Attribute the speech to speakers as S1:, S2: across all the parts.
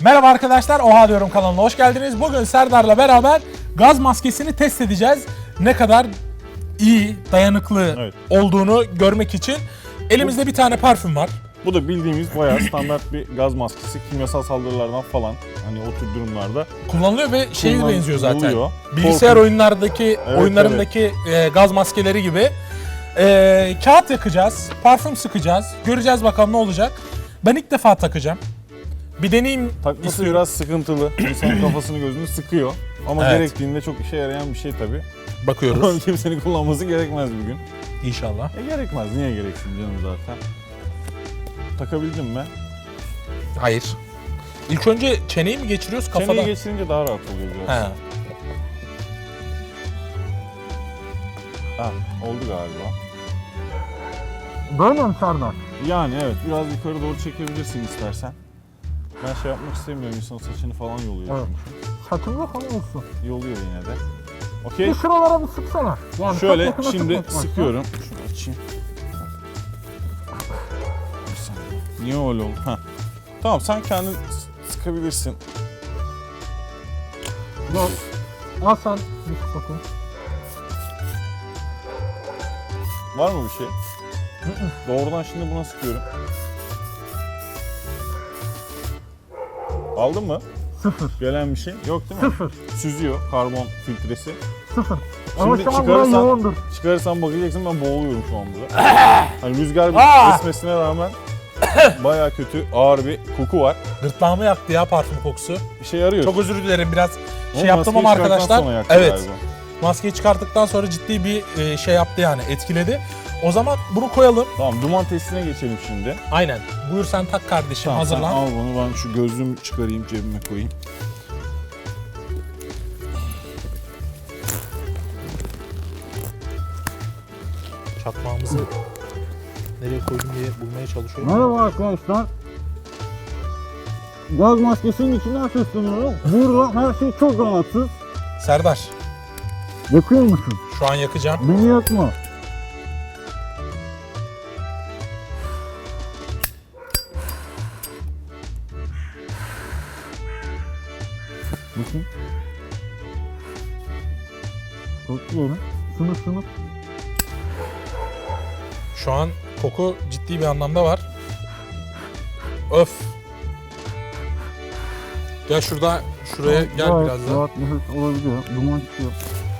S1: Merhaba arkadaşlar, Oha Diyorum kanalına hoş geldiniz. Bugün Serdar'la beraber gaz maskesini test edeceğiz. Ne kadar iyi, dayanıklı olduğunu görmek için. Elimizde bir tane parfüm var.
S2: Bu da bildiğimiz bayağı standart bir gaz maskesi. Kimyasal saldırılardan falan hani o tür durumlarda
S1: Kullanılıyor ve şeye benziyor zaten.
S2: Kullanılıyor.
S1: Bilgisayar oyunlarındaki gaz maskeleri gibi. Kağıt yakacağız, parfüm sıkacağız. Göreceğiz bakalım ne olacak. Ben ilk defa takacağım. Bir deneyim
S2: Takması
S1: istiyorum.
S2: biraz sıkıntılı. İnsanın kafasını gözünü sıkıyor. Ama gerektiğinde çok işe yarayan bir şey tabii.
S1: Bakıyoruz.
S2: Kimsenin kullanması gerekmez bir gün.
S1: İnşallah.
S2: Gerekmez. Niye gereksin canım zaten. Takabildin mi?
S1: Hayır. İlk önce çeneyi mi geçiriyoruz kafada?
S2: Çeneyi geçirince daha rahat oluyor biraz.
S1: He.
S2: Ha, oldu galiba.
S1: Böyle mi Serdar?
S2: Yani evet, biraz yukarı doğru çekebilirsin istersen. Ben şey yapmak istemiyorum, insanın saçını falan yoluyor çünkü.
S1: Saçımda falan olsun.
S2: Yoluyor yine de. Okey.
S1: Bir şuralara bir sıksana. Yani
S2: Şöyle şimdi sıkıyorum. Şunu açayım. Bir saniye. Niye öyle oldu? Heh. Tamam, sen kendin sıkabilirsin.
S1: Yok. Al sen bir sık bakayım.
S2: Var mı bir şey? Doğrudan şimdi buna sıkıyorum. Aldın mı?
S1: Sıfır.
S2: Gelen bir şey yok değil mi?
S1: Sıfır.
S2: Süzüyor karbon filtresi.
S1: Sıfır. Ama
S2: Şimdi
S1: şu an burası yoğundur.
S2: çıkarırsan bakacaksın, ben boğuluyorum şu an burada. Hani rüzgar esmesine rağmen bayağı kötü, ağır bir koku var.
S1: Gırtlağımı yaktı ya parfüm kokusu.
S2: İşe yarıyor.
S1: Çok özür dilerim, biraz
S2: Ama
S1: yaptım ama
S2: maskeyi çıkarttıktan
S1: arkadaşlar.
S2: sonra yaktı
S1: Evet.
S2: galiba.
S1: Maskeyi çıkarttıktan sonra ciddi bir şey yaptı, yani etkiledi. O zaman bunu koyalım.
S2: Tamam, duman testine geçelim şimdi.
S1: Aynen. Buyur sen tak kardeşim,
S2: Tamam,
S1: hazırlan.
S2: sen al bunu, ben şu gözlüğümü çıkarayım, cebime koyayım.
S1: Çakmağımızı nereye koydum diye bulmaya çalışıyorum.
S3: Merhaba arkadaşlar. Gaz maskesinin içinden sesleniyorum. Burada her şey çok rahatsız.
S1: Serdar,
S3: Yakıyor musun?
S1: şu an yakacağım.
S3: Beni yakma. Bakın. Kokluyorum. Sınıf.
S1: Şu an koku ciddi bir anlamda var. Öf. Gel şuraya gel biraz daha.
S3: Rahat nefes olabiliyor. Duman çıkıyor.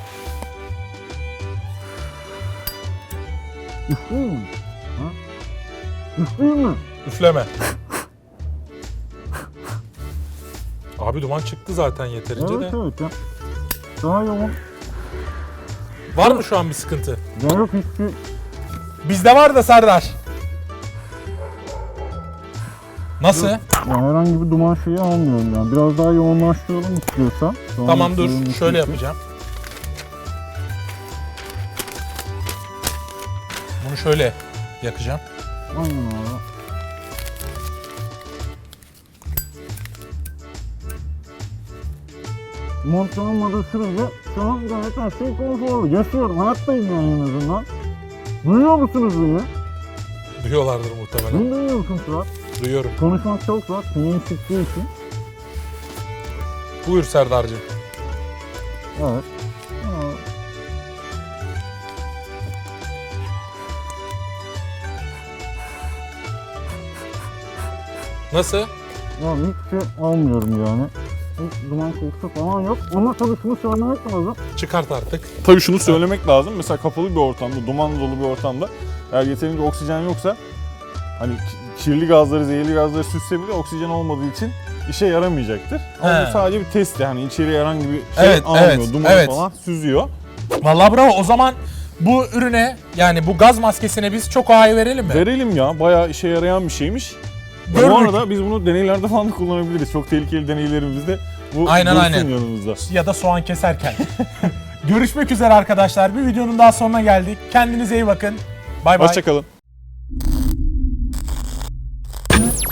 S3: Üfleyeyim mi? Ha? Üfleyeyim mi?
S1: Üfleme. Abi duman çıktı zaten yeterince
S3: Evet
S1: de.
S3: evet ya. Daha yoğun.
S1: Var mı şu an bir sıkıntı?
S3: Ya yok hiçbir...
S1: Bizde var da Serdar. Nasıl?
S3: Yani herhangi bir duman şeyi almıyorum yani. Biraz daha yoğunlaştıralım istiyorsan.
S1: Tamam dur, şöyle yapacağım. Bunu şöyle yakacağım.
S3: Aynen abi. Montlanmadığı sürece şu an gayet her şey konforlu. Yaşıyorum, hayattayım yani en azından. Duyuyor musunuz beni?
S1: Duyuyorlardır muhtemelen.
S3: Beni duyuyor musun Fırat?
S1: Duyuyorum.
S3: Konuşmak çok rahat, sineğin çıktığı için.
S1: Buyur Serdar'cığım.
S3: Evet.
S1: Nasıl?
S3: Yani hiçbir şey almıyorum yani. Hiç duman kokusu falan yok. Ama tabii şunu söylemek lazım.
S1: Çıkart artık.
S2: Tabii şunu söylemek lazım. Mesela kapalı bir ortamda, duman dolu bir ortamda eğer yeterince oksijen yoksa hani kirli gazları, zehirli gazları süsse bile oksijen olmadığı için işe yaramayacaktır. Ama bu sadece bir test, yani içeriye herhangi bir şey almıyor. Duman falan süzüyor.
S1: Vallahi bravo. O zaman bu ürüne, yani bu gaz maskesine biz çok A'yı verelim mi?
S2: Verelim ya. Bayağı işe yarayan bir şeymiş.
S1: Gördük.
S2: Bu arada biz bunu deneylerde falan da kullanabiliriz. Çok tehlikeli deneylerimizde bu
S1: Aynen.
S2: yanımızda.
S1: Ya da soğan keserken. Görüşmek üzere arkadaşlar. Bir videonun daha sonuna geldik. Kendinize iyi bakın. Bay bay.
S2: Hoşçakalın.